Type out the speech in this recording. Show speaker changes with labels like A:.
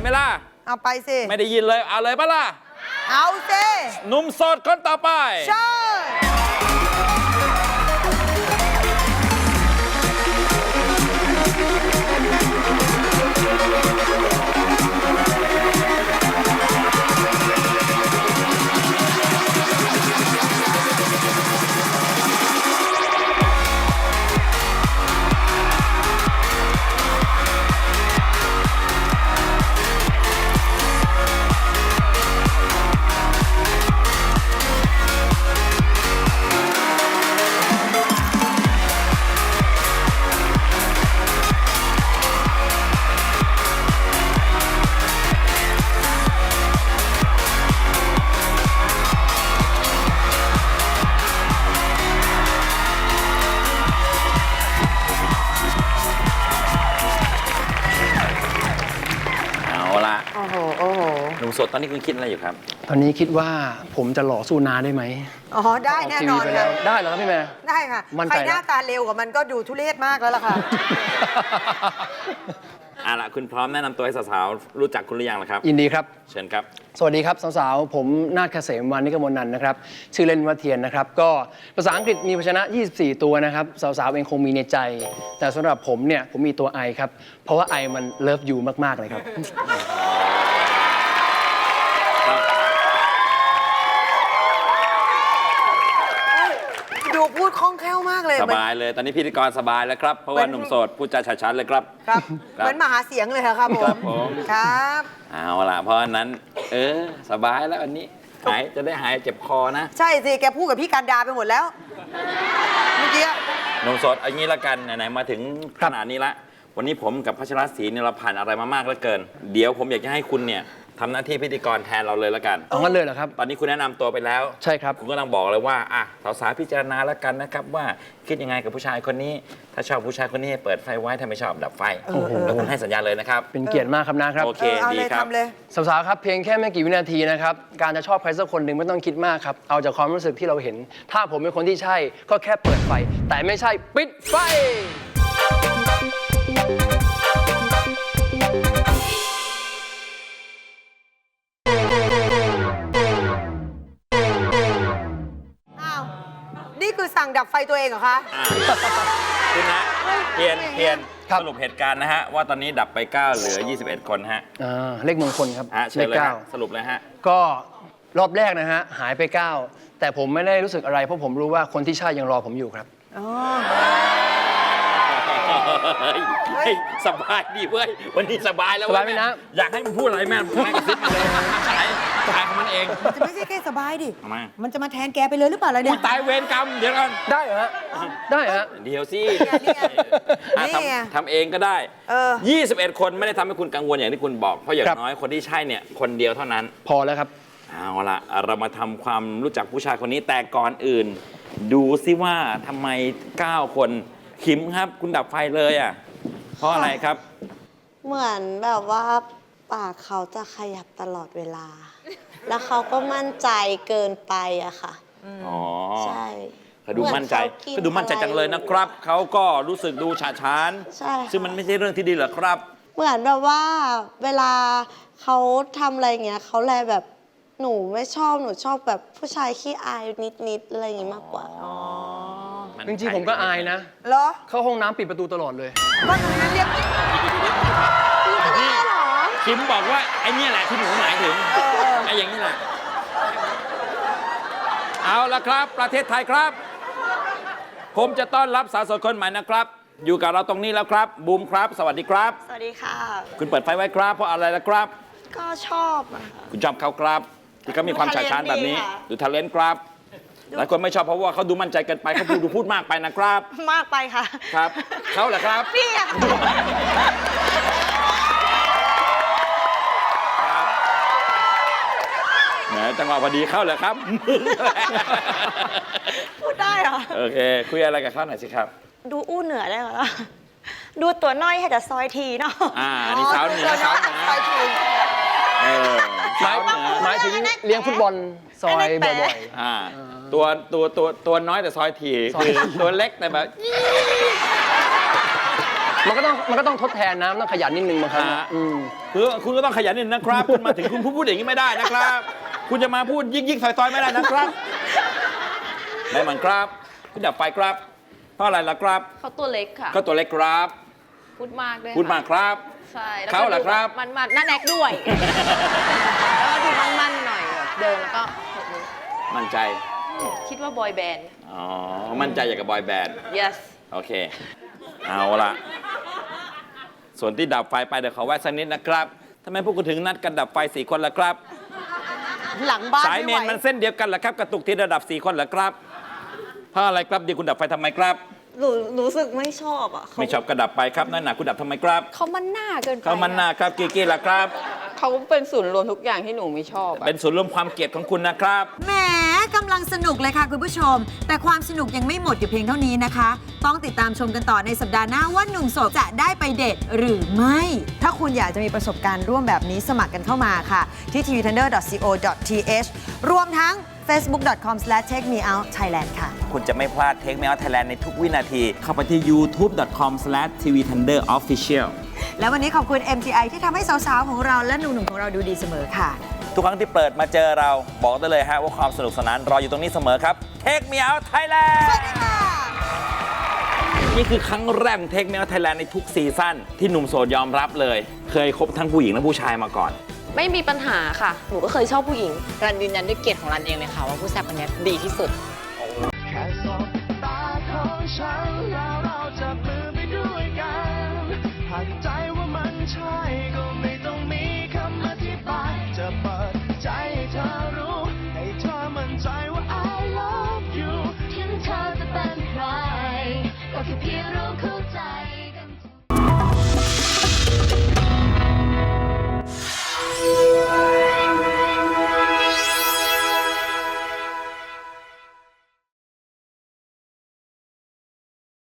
A: ไหมล่ะ
B: เอาไปสิ
A: ไม่ได้ยินเลยเอาเลยปะล่ะ
B: เอาสิ
A: หนุ่มโสดคนต่อไป
B: ใช่
A: หนุ่มโสดตอนนี้คุณคิดอะไรอยู่ครับ
C: ตอนนี้คิดว่าผมจะหล่อสู้นาได้ไหม
B: อ๋อได้แน่นอนค่ะ
C: ได้เหรอครับพี่แม่
B: ได้ค่ะใครหน้าตาเร็วกว่ามันก็ดูทุเรศมากแล้วล่ะค่ะ
A: ล่ะคุณพร้อมแนะนำตัวให้สาวๆรู้จักคุณหรือยังล่ะครับ
C: ยินดีครับ
A: เชิญครับ
C: สวัสดีครับสาวๆผมนาฏเกษมวานิกมลนันท์นะครับชื่อเล่นว่าเทียนนะครับก็ภาษาอังกฤษมีพยัญชนะ24ตัวนะครับสาวๆเองคงมีในใจแต่สำหรับผมเนี่ยผมมีตัว I ครับเพราะว่า I มันเลิฟยูมากๆเลยครับ
B: ดูพูดคล่องแคล่วมากเลย
A: สบายเลยตอนนี้พิธีกรสบายแล้วครับเพราะว่าหนุ่มโสดพูดจาชัดๆเลยครับ
B: ครับเหมือนมหาเสียงเลยครับผมครับ
A: เอาล่ะเพราะฉะนั้นสบายแล้ววันนี้จะได้หายเจ็บคอนะ
B: ใช่สิแกพูดกับพี่การดาไปหมดแล้วเมื่อกี้
A: หนุ่มโสดเอางี้ละกันไหนๆมาถึงขนาดนี้ละวันนี้ผมกับพัชรศรีเนี่ยเราผ่านอะไรมามากเหลือเกินเดี๋ยวผมอยากจะให้คุณเนี่ยทำหน้าที่พิธีกรแทนเราเลยละกัน
C: เอางั้นเลยเหรอครับ
A: ตอนนี้คุณแนะนำตัวไปแล้ว
C: ใช่ครับ
A: คุณก็ต้องบอกเลยว่าสาวๆพิจารณาแล้วกันนะครับว่าคิดยังไงกับผู้ชายคนนี้ถ้าชอบผู้ชายคนนี้ให้เปิดไฟไว้ถ้าไม่ชอบดับไฟแล้วคุณให้สัญญาเลยนะครับ
C: เป็นเกียรติมากครับนะครับ
A: โอเคดีครับ
C: สาวๆครับเพียงแค่ไม่กี่วินาทีนะครับการจะชอบใครสักคนหนึ่งไม่ต้องคิดมากครับเอาจากความรู้สึกที่เราเห็นถ้าผมเป็นคนที่ใช่ก็แค่เปิดไฟแต่ไม่ใช่ปิดไฟ
B: นี่คือสั่งดับไฟตัวเองเหรอคะ
A: คุณนะเพียนสรุปเหตุการณ์นะฮะว่าตอนนี้ดับไป9เหลือ21คนฮะ
C: เลขมงคลครับ
A: เลข9สรุปเลยฮะ
C: ก็รอบแรกนะฮะหายไป9แต่ผมไม่ได้รู้สึกอะไรเพราะผมรู้ว่าคนที่ใช่ยังรอผมอยู่ครับ
A: สบายดีเว้ยวันนี้สบายแล้ว
C: สบายไหมนะ
A: อยากให้มันพูดอะไรแม่พูดกระซิบมาเลยตายของมันเอง
B: มันจะไม่ใช่แค่สบายดิ
A: ทำไม
B: มันจะมาแทนแกไปเลยหรือเปล่าล่ะเนี่ย
A: ตายเวรกรรมเดี๋ยวก่อน
C: ได้เหรอฮะได้ฮะ
A: เดี๋ยวสิทำเองก็ได้21คนไม่ได้ทำให้คุณกังวลอย่างที่คุณบอกเพราะอย่างน้อยคนที่ใช่เนี่ยคนเดียวเท่านั้น
C: พอแล้วครับ
A: เอาละเรามาทำความรู้จักผู้ชายคนนี้แต่ก่อนอื่นดูซิว่าทำไม9คนขิมครับคุณดับไฟเลยเพราะอะไรครับ
D: เหมือนแบบว่าปากเขาจะขยับตลอดเวลาแล้วเขาก็มั่นใจเกินไปอะค่ะใช่
A: เขาดูมั่นใจจังเลยนะครับเขาก็รู้สึกดูฉาฉาน
D: ใช่
A: ซึ่งมันไม่ใช่เรื่องที่ดีหรอกครับ
D: เหมือนแบบว่าเวลาเขาทำอะไรเงี้ยเขาแลแบบหนูไม่ชอบหนูชอบแบบผู้ชายขี้อายนิดๆอะไรอย่างงี้มากกว่า
C: จริงๆผมก็อายนะ
B: เหรอ
C: เข้าห้องน้ำปิดประตูตลอดเลย
B: ก็ตรงนั้นเรียก
A: คิมบอกว่าไอ้นี่แหละที่หนูหมายถึงไอ้อย่างนี้แหละเอาละครับประเทศไทยครับผมจะต้อนรับสาวโสดคนใหม่นะครับอยู่กับเราตรงนี้แล้วครับบูมครับสวัสดีครับ
D: สวัสดีค่ะ
A: คุณเปิดไฟไว้ครับเพราะอะไรล่ะครับ
D: ก็ชอบ
A: คุณชอบเขาครับที่เขามีความฉาฉานแบบนี้ดูทาเลนต์ครับหลายคนไม่ชอบเพราะว่าเขาดูมั่นใจเกินไปเขาพูดมากไปนะครับ
D: มากไปค่ะ
A: ครับเขาเหรอครับ
D: พี่อะ
A: จังหวะพอดีเข้าเลยครับ
D: พูดได้เหรอ
A: โอเคคุยอะไรกับเขาหน่อยสิครับ
D: ดูอู้เหนือได้เหรอดูตัวน้อยให้แต่ซอยทีเนาะ
A: นี่สาวเหนือ
C: หมายถึงเลี้ยงฟุตบอลซอยบ่อย
A: ๆตัวน้อยแต่ซอยถี่คือตัวเล็กแต่แบบ
C: มันก็ต้องทดแทนนะต้องขยันนิดนึงบางครั้ง
A: ฮะ
C: อืม
A: คุณก็ต้องขยันนิดนะครับ คุณมาถึงคุณพูดอย่างนี้ไม่ได้นะครับ คุณจะมาพูดยิกๆซอยๆไม่ได้นะครับได้มันครับคุณดับไฟครับเพราะอะไรล่ะครับ
E: เขาตัวเล็กค่ะ
A: ก็ตัวเล็กครับ
E: พูดมากด้วย
A: พูดมาครับ
E: ใช่แล้ว
A: เขาเหรอครับ
E: มันหน้าแนกด้วย แล้วก็ดูมันๆหน่อยแบบเดินแล้วก็แบบนี้
A: มั่นใจ
E: คิดว่าบอยแบนด์
A: อ๋อมั่นใจอย่างกับบอยแบนด์
E: yes
A: โอเค เอาละส่วนที่ดับไฟไปเดี๋ยวขอแวะสักนิดนะครับทำไมพวกคุณถึงนัดกันดับไฟ4 คนล่ะครับ
B: หลังบ้าน
A: สายเม
B: ไม่
A: น
B: ไหว
A: มันเส้นเดียวกันเหรอครับ กระตุกที่ระดับ4 คนเหรอครับเพราะอะไรครับดีคุณดับไฟทำไมครับ
D: หนูรู้สึกไม่ชอบอ่ะเขา
A: ไม่ชอบกระดับไปครับนั่นหนาคุณดับทำไมครับ
E: เขามันหน้าเกินไป
A: เขามันหนาครับกีกี้ล่ะครับ
E: เขาเป็นศูนย์รวมทุกอย่างที่หนูไม่ชอบอะ
A: เป็นส่วนย์รวมความเกลียดของคุณนะครับ
B: แหมกำลังสนุกเลยค่ะคุณผู้ชม แต่ความสนุกยังไม่หมดอยู่เพียงเท่านี้นะคะ ต้องติดตามชมกันต่อในสัปดาห์หน้าว่าหนุ่มโสดจะได้ไปเดทหรือไม่ ถ้าคุณอยากจะมีประสบการณ์ร่วมแบบนี้สมัครกันเข้ามาค่ะ ที่ tvtender.co.th รวมทั้ง facebook.com/takemeoutthailand ค่ะ
A: คุณจะไม่พลาดเทคเมลไทยแลนด์ในทุกวินาที เข้าไปที่ youtube.com/tvtenderofficial
B: แล้ววันนี้ขอบคุณ MTI ที่ทำให้สาวๆของเราและหนุ่มๆของเราดูดีเสมอค่ะ
A: ทุกครั้งที่เปิดมาเจอเราบอกได้เลยฮะว่าความสนุกสนานรออยู่ตรงนี้เสมอครับ Take Me Out Thailand นี่คือครั้งแรกของ Take Me Out Thailand ในทุกซีซั่นที่หนุ่มโสดยอมรับเลย เคยคบทั้งผู้หญิงและผู้ชายมาก่อน
E: ไม่มีปัญหาค่ะ หนูก็เคยชอบผู้หญิง
F: รันยืนยันด้วยเกียรติของรันเองเลยค่ะว่าผู้แซ่บคนนี้ดีที่สุด
G: แค่สบตาของฉันเรา